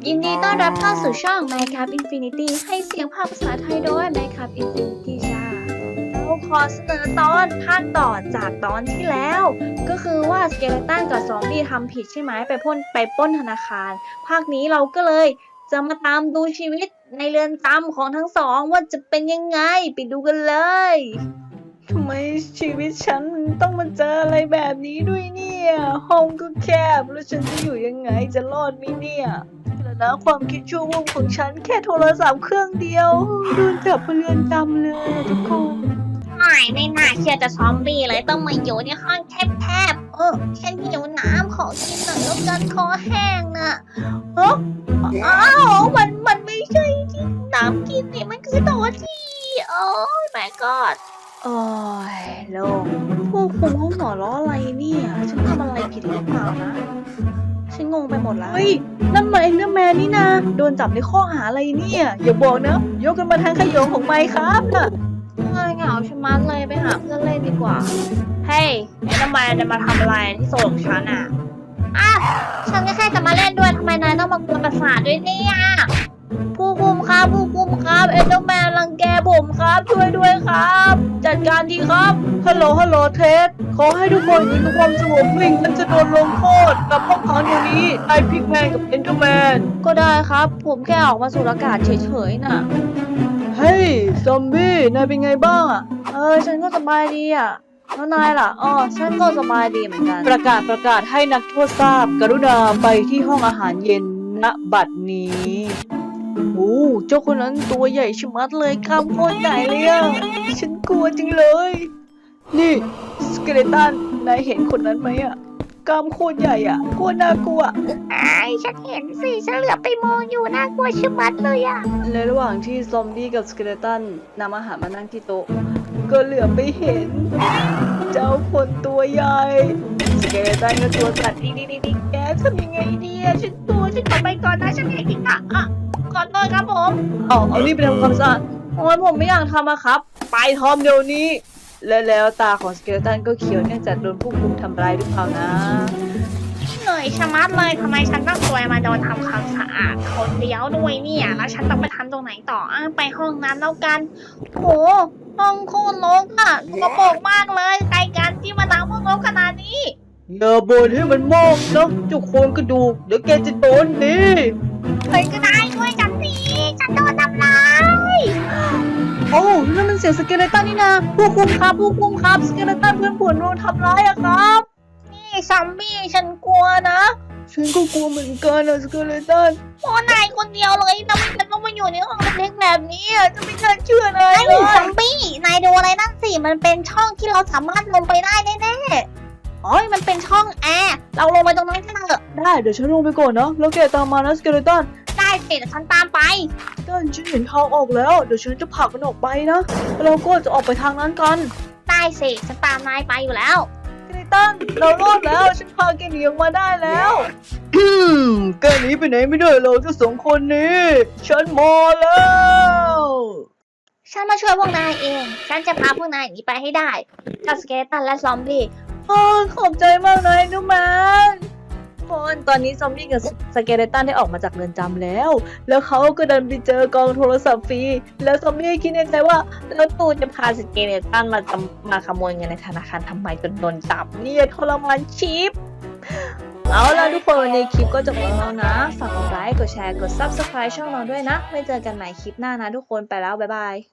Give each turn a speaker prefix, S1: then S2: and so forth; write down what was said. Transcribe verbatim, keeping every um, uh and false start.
S1: ยินดีต้อนรับเข้าสู่ช่อง Minecraft Infinity ให้เสียงภาคภาษาไทยโดย Minecraft Infinity จ้าเราขอเสนอตอนภาคต่อจากตอนที่แล้ว ก็คือว่าสเกเลตันกับซอมบี้ทำผิดใช่ไหมไปพ่นไปปล้นธนาคาร ภาคนี้เราก็เลยจะมาตามดูชีวิตในเรือนจำของทั้งสองว่าจะเป็นยังไงไปดูกันเลยทำไมชีวิตฉันต้องมาเจออะไรแบบนี้ด้วยเนี่ยห้องก็แคบแล้วฉันจะอยู่ยังไงจะรอดไหมเนี่ยแล้วนะความคิดชั่ววูบของฉันแค่โทรศัพท์เครื่องเดียวโดนจับไปเรือนจำเลยทุกคนไม่ไม่น่าเชื่อจะซอมบี้เลยต้องมาอยู่ในห้องแคบๆเออฉันหิวน้ำขอกินหน่อยแล้วกันคอแห้งน่ะเฮ้อ้าวมันมันไม่ใช่ที่น้ำกินนี่มันคือตัวที่โอ้ยแม่กอดโอ้ยโล่งพวกคุมเขาหัวล้ออะไรเนี่ยฉันทำอะไรผิดหรือเปล่านะฉันงงไปหมดแล้วเฮ้ยนั่นมันเอ็นเดอร์แมนนี่นะโดนจับในข้อหาอะไรเนี่ยอย่าบอกนะยกกันมาทางขยงของไมค์ครับน่ะเหงาชะมัดเลยไปหาเพื่อนเล่นดีกว่าเฮ้ยเอ็นเดอร์แมนจะมาทำอะไรที่โซนของฉันอ่ะอ่ะฉันก็แค่จะมาเล่นด้วยทำไมนายต้องมากวนประสาทด้วยเนี่ยผู้คุมครับผู้คุมครับเอ็นเดอร์แมนรังแกผมครับช่วยด้วยครับ จัดการทีครับฮัลโหลฮัลโหลเท็ดขอให้ทุกคนอยู่ในความสงบนิ่งมันจะโดนลงโทษกับพวกเขาเดี๋ยวนี้ไอพิกแมนกับเอ็นเดอร์แมนก็ได้ครับผมแค่ออกมาสูดอากาศเฉยๆน่ะเฮ้ยซอมบี้นายเป็นไงบ้างอ่ะเออฉันก็สบายดีอ่ะแล้วนายล่ะอ๋อฉันก็สบายดีเหมือนกันประกาศประกาศให้นักโทษทราบกรุณาไปที่ห้องอาหารเย็นณบัดนี้โอ้เจ้าคนนั้นตัวใหญ่ชะมัดเลยกล้ามโคตรใหญ่เลยอ่ะฉันกลัวจริงเลยนี่สเกเลตันนายเห็นคนนั้นไหมอ่ะกล้ามโคตรใหญ่อ่ะโคตรน่ากลัว
S2: ไอ้ฉันเห็นสิฉันเหลือไปมองอยู่น่ากลัวชะมัดเลยอะ
S1: ในระหว่างที่ซอมบี้กับสเกเลตันนำอาหารมานั่งที่โต๊ะก็เหลือไปเห็นเจ้าคนตัวใหญ่สเกเลตันก็ตัวสั่นดิ๊กดิ๊กดิ๊กแกทำยังไงดีอะฉันตัวฉันขอไปก่อนนะฉันเห็นจริงอะอ่ะก่อนเลยครับผมเอาเอานี่ไปทำความสะอาดโอ้ยผมไม่อยากทำอะครับไปทอมเดี๋ยวนี้และแล้วตาของสเกเลตันก็เขียวเนื่องจากโดนผู้คุมทำร้ายหรือเปล่านะ
S2: เหนื่อยชะมัดเลยทำไมฉันต้องซวยมาโดนทำความสะอาดคนเดียวด้วยเนี่ยแล้วฉันต้องไปทำตรงไหนต่ออ่ะไปห้องน้ำแล้วกันโหห้องโคตรรกอ่ะสกปรกมากเลยใครกันที่มาทำห้องรกขนาดนี้
S1: อย่าบ่นให้มันมากนะเจ้าโครงกระดูกเดี๋ยวแกจะโดนดี
S2: ใครก็ได้ช่วยฉันทีฉันโดนทำร้าย
S1: โอ้นั่นมันเสียงสเกเลตันนี่นะผู้คุมครับผู้คุมครับสเกเลตันเพื่อนผมโดนทำร้ายอะครับ
S2: นี่ซอมบี้ฉันกลัวนะ
S1: ฉันก็กลัวเหมือนกันนะสเกเลตัน
S2: โอ้นายคนเดียวเลยทำไมฉันต้องมาอยู่ในห้องเล็กๆแบบนี้จะไม่น่าเชื่อเลยไอ้ซอมบี้นายดูอะไรนั่นสิมันเป็นช่องที่เราสามารถลงไปได้แน่ๆโอ้ยมันเป็นช่องแอร์เราลงไปตรงนั้นกันเถอะ
S1: ได้เดี๋ยวฉันลงไปก่อนนะแล้วแกตามมานะสเกเลตัน
S2: ได้สิเดี๋ยวฉันตามไป
S1: ตันฉันเห็นทางออกแล้วเดี๋ยวฉันจะผลักมันออกไปนะเราก็จะออกไปทางนั้นกัน
S2: ได้สิฉันตามนายไปอยู่แล้ว
S1: สเกเลตันเรารอดแล้วฉันพาแกหนีออกมาได้แล้วอืมแกหนีไปไหนไม่ได้เราทั้งสองคนนี้ฉันมาแล้ว
S2: ฉันมาช่วยพวกนายเองฉันจะพาพวกนายหนีไปให้ได้กับสเกเลตันและซอมบี้
S1: อ๋อขอบใจมากนายนุแมนคนตอนนี้ซอมบี้กับสเกเลตันได้ออกมาจากเรือนจำแล้วแล้วเขาก็เดินไปเจอกองโทรศัพท์ฟรีแล้วซอมบี้คิดในใจว่าแล้วตูจะพาสเกเลตันมาจำมาขโมยเงินในธนาคารทำไมจนโดนจับเนี่ยทรมานชิปเอาล่ะทุกคนวันนี้คลิปก็จบแล้วนะฝากกดไลค์กดแชร์กด ซับสไครบ์ ช่องเราด้วยนะไว้เจอกันใหม่คลิปหน้านะทุกคนไปแล้วบ๊ายบาย